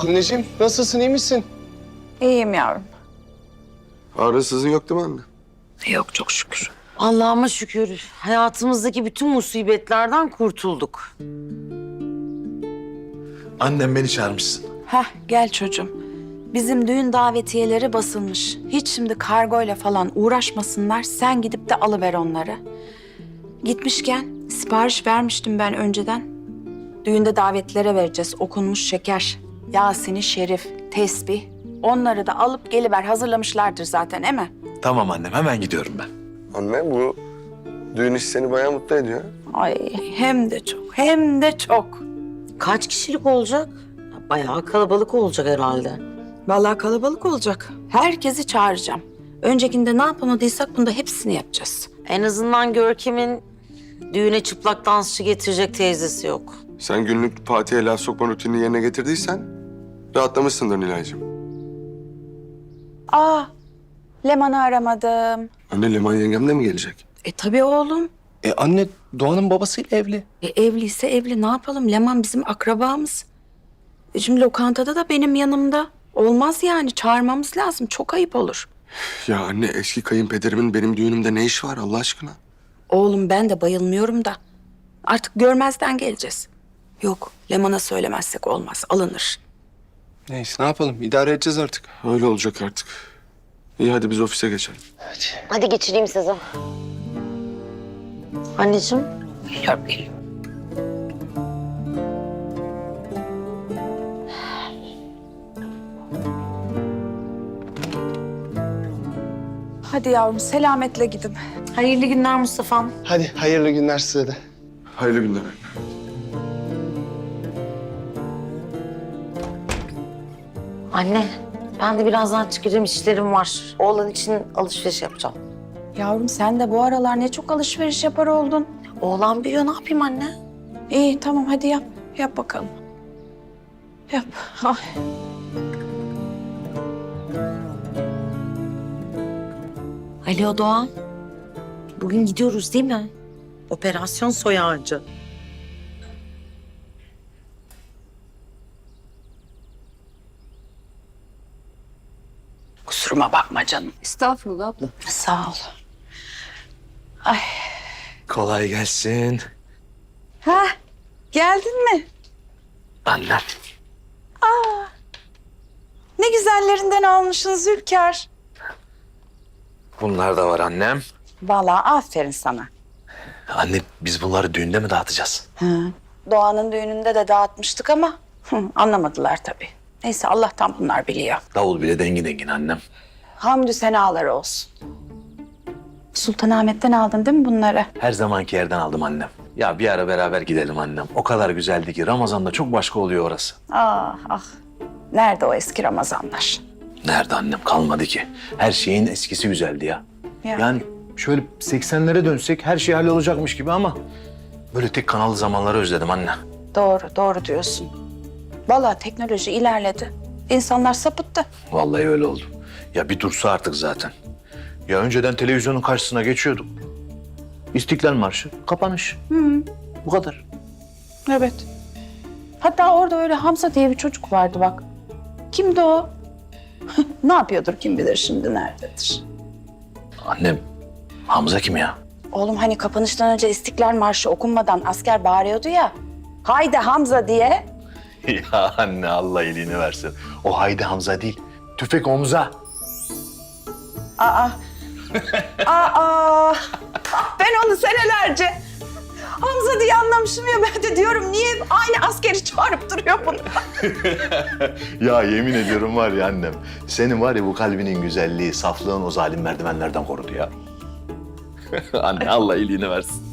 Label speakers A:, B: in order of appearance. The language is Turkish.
A: Anneciğim nasılsın, iyi misin?
B: İyiyim yavrum.
C: Ağrısızın yok değil mi anne?
B: Yok çok şükür.
D: Allah'ıma şükür hayatımızdaki bütün musibetlerden kurtulduk.
E: Annem beni çağırmışsın.
B: Heh gel çocuğum. Bizim düğün davetiyeleri basılmış. Hiç şimdi kargoyla falan uğraşmasınlar. Sen gidip de alıver onları. Gitmişken sipariş vermiştim ben önceden. Düğünde davetlere vereceğiz. Okunmuş şeker, Yasin-i Şerif, tesbih. Onları da alıp geliver. Hazırlamışlardır zaten, değil mi?
E: Tamam annem, hemen gidiyorum ben.
C: Anne bu düğün işi seni bayağı mutlu ediyor.
B: Ay hem de çok, hem de çok.
D: Kaç kişilik olacak? Bayağı kalabalık olacak herhalde.
B: Vallahi kalabalık olacak. Herkesi çağıracağım. Öncekinde ne yapamadıysak bunda hepsini yapacağız.
D: En azından Görkem'in düğüne çıplak dansçı getirecek teyzesi yok.
C: Sen günlük Fatih'e laf sokma rutinini yerine getirdiysen rahatlamışsındır Nilay'cığım.
B: Leman'ı aramadım.
C: Anne Leman yengem de mi gelecek?
B: Tabii oğlum.
A: Anne Doğan'ın babasıyla evli.
B: Evliyse evli, ne yapalım? Leman bizim akrabamız. Şimdi lokantada da benim yanımda. Olmaz yani, çağırmamız lazım. Çok ayıp olur.
C: Ya anne eski kayınpederimin benim düğünümde ne işi var Allah aşkına?
B: Oğlum ben de bayılmıyorum da. Artık görmezden geleceğiz. Yok, Leman'a söylemezsek olmaz. Alınır.
A: Neyse ne yapalım, idare edeceğiz artık.
C: Öyle olacak artık. İyi hadi biz ofise geçelim.
D: Hadi geçireyim sizi. Anneciğim.
B: Geliyorum, geliyorum. Hadi yavrum, selametle gidin.
D: Hayırlı günler Mustafa'm.
A: Hadi hayırlı günler size de.
C: Hayırlı günler anne.
D: Anne, ben de birazdan çıkacağım, işlerim var. Oğlan için alışveriş yapacağım.
B: Yavrum sen de bu aralar ne çok alışveriş yapar oldun.
D: Oğlan büyüyor, ne yapayım anne?
B: İyi tamam hadi yap. Yap bakalım. Yap. Ay.
D: Alo Doğan. Bugün gidiyoruz değil mi? Operasyon soy ağacı.
B: Kusuruma bakma canım.
F: Estağfurullah abla.
B: Sağ ol.
E: Kolay gelsin.
B: Ha, geldin mi?
E: Annem.
B: Ne güzellerinden almışsın Zülkar.
E: Bunlar da var annem.
B: Vallahi aferin sana.
E: Anne biz bunları düğünde mi dağıtacağız?
B: Doğan'ın düğününde de dağıtmıştık ama anlamadılar tabii. Neyse Allah'tan bunlar biliyor.
E: Davul bile dengin dengin annem.
B: Hamdü senalar olsun. Sultanahmet'ten aldın değil mi bunları?
E: Her zamanki yerden aldım annem. Ya bir ara beraber gidelim annem. O kadar güzeldi ki Ramazan'da çok başka oluyor orası.
B: Ah ah. Nerede o eski Ramazanlar?
E: Nerede annem, kalmadı ki. Her şeyin eskisi güzeldi ya.
B: Ya.
E: Yani şöyle 80'lere dönsek her şey hallolacakmış gibi ama... ...böyle tek kanallı zamanları özledim anne.
B: Doğru, doğru diyorsun. Vallahi teknoloji ilerledi. İnsanlar sapıttı.
E: Vallahi öyle oldu. Ya bir dursa artık zaten. Ya önceden televizyonun karşısına geçiyorduk. İstiklal Marşı, kapanış. Bu kadar.
B: Evet. Hatta orada öyle Hamza diye bir çocuk vardı bak. Kimdi o? Ne yapıyordur kim bilir şimdi nerededir?
E: Annem, Hamza kim ya?
B: Oğlum hani kapanıştan önce İstiklal Marşı okunmadan asker bağırıyordu ya. Haydi Hamza diye.
E: Ya anne Allah iyiliğini versin. O Haydi Hamza değil, tüfek omza.
B: Aa. Aa. Ben onu senelerce Hamza diye anlamışım ya, ben de diyorum niye aynı askeri çağırıp duruyor bunu?
E: Ya yemin ediyorum var ya annem, senin var ya bu kalbinin güzelliği, saflığın o zalim merdivenlerden korudu ya. Anne Allah iyiliğini versin.